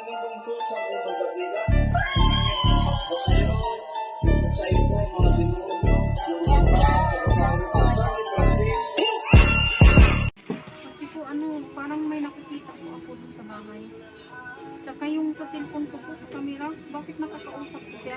Kasi po parang may nakikita po ako dun sa bahay. Tsaka yung sa cellphone ko po sa camera, bakit nakakausap ko siya?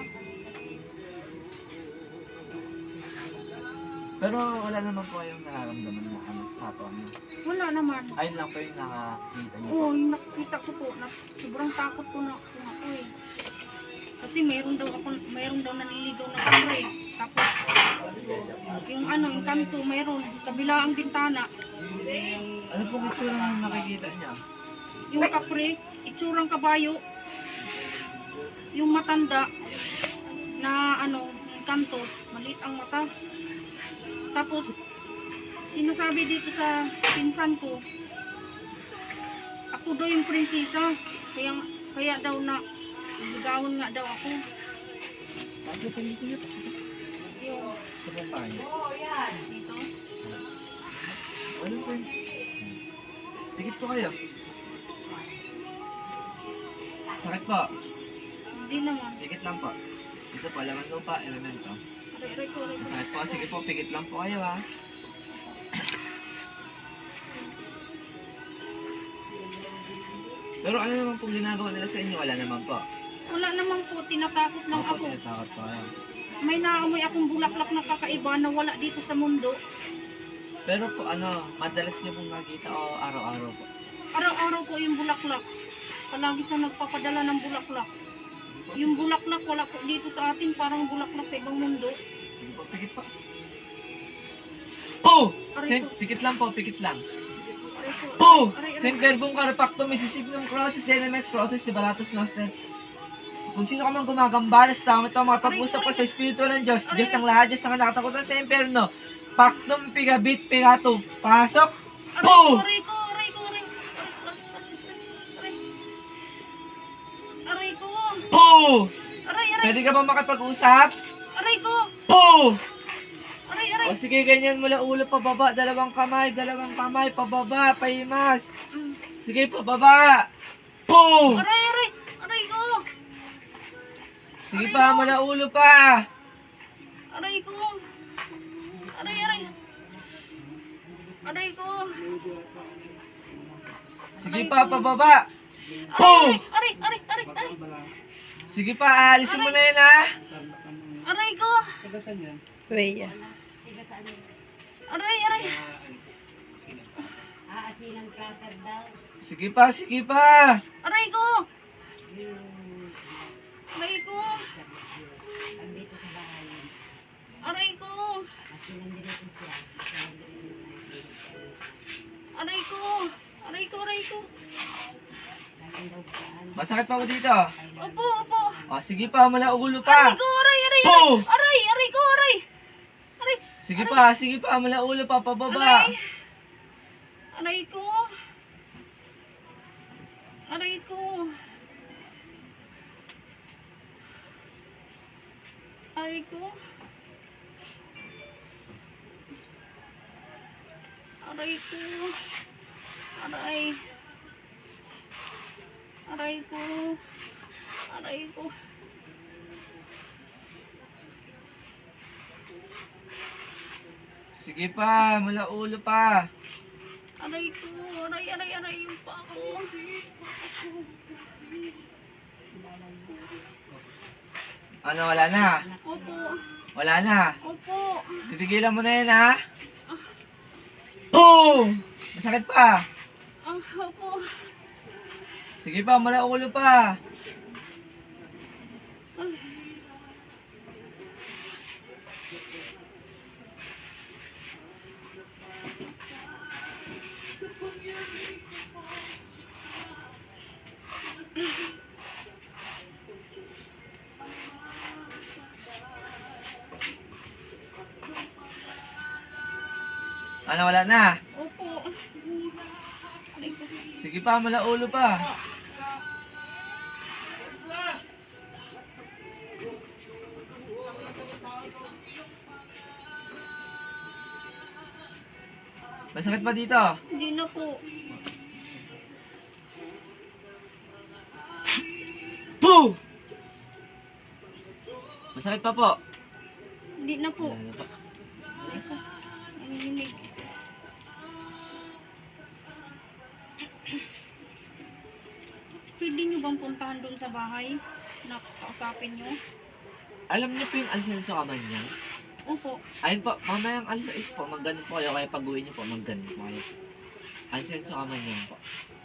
Pero wala naman po kayong nararamdaman na sa ato niyo. Wala naman. Ayun lang po yung nakakita niyo. Oo, yung nakikita ko po, sobrang takot po na ako eh. Kasi mayroon daw naniligaw na kapre. Tapos, yung yung kanto, mayroon, kabila ang bintana. Ano pong itsura ng nakikita niya? Yung kapre, itsurang kabayo. Yung matanda, na yung kanto, maliit ang mata. Tapos, sinasabi dito sa pinsan ko, ako daw yung prinsesa, kaya daw na ligawan nga daw ako. Bakit po dito niyo? Yung Sa bahay. dito. Ano po yun? Tikit po kayo. Sakit po. Hindi naman. Pikit lang po. Ito po, laman lupa, elemento. Aray ko. Sakit po. Sige po, pikit lang po kayo ha. Pero ano naman pong ginagawa nila sa inyo? Wala naman po. Wala naman po, tinatakot lang Opo, ako. tinatakot po kayo. May naamoy akong bulaklak na kakaiba na wala dito sa mundo. Pero po madalas niyo pong nakita o araw-araw po? Araw-araw po yung bulaklak. Palagi siya nagpapadala ng bulaklak. Yung bulaklak wala po dito sa atin, parang bulaklak sa ibang mundo. Sige po, pikit po. Po! Aray ko. Pikit lang po, pikit lang. Aray ko. Po! Aray. Saint Verbum Carpactum, Mississippium Crosses, Dynamax Crosses, Liberatus Noster. Kung sino ka man gumagambala sa tao ito, makapag-usap ka sa Espiritu ng Diyos, Diyos ng lahat, Diyos ng kinakatakutan sa impyerno. Pactum pigabit pigato. Pasok! Po! Aray ko. Aray ko. Po! Aray. Pwede ka ba makapag-usap? Aray ko. Po! Aray. O sige, ganyan mula ulo pababa, dalawang kamay, pababa, pahimas. Sige, pababa. Po! Aray ko. Sige pa, mula ulo pa. Aray ko. Aray. Aray ko. Sige pa, pababa. Po! Aray. Sige pa, alisin mo na yan ha. Aray ko. Weya. Aray. Sige pa. Aray ko. Aray ko. Aray ko. Aray ko. Masakit pa mo dito. Opo. O sige pa, mula ulo pa. Aray ko. Aray. Po! Aray ko. Aray. Sige pa, mula ulo pa, pababa. Aray ko. Aray ko. Aray ko. Aray ko. Aray. Aray ko. Aray ko. Sige pa, mula ulo pa. Aray ko. Aray yung pa ako. Ano, wala na? Opo. Wala na. Opo. Titigilan mo na yan ha. Po! Masakit pa. Opo. Sige pa, mula ulo pa. Ano, wala na? Opo. Aray ko. Sige pa, mula ulo pa. Masakit pa dito? Hindi na po. Masakit pa po. Hindi na po. Ano pa? Ay ko. Nanginginig. Pwede nyo bang puntahan doon sa bahay? Na kausapin nyo? Alam niyo po yung Alcenso Kamanya? Opo. Ayun po, mamayang alas 6 po, mag-ganun po kayo, kaya pag-uwi niyo po, mag-ganun po kayo. Alcenso Kamanya po.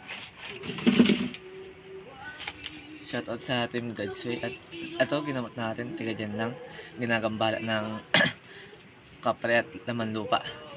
Shoutout sa Team Godsway. At ito, ginamot natin, tiga dyan lang. Ginagambala ng kapre at laman lupa.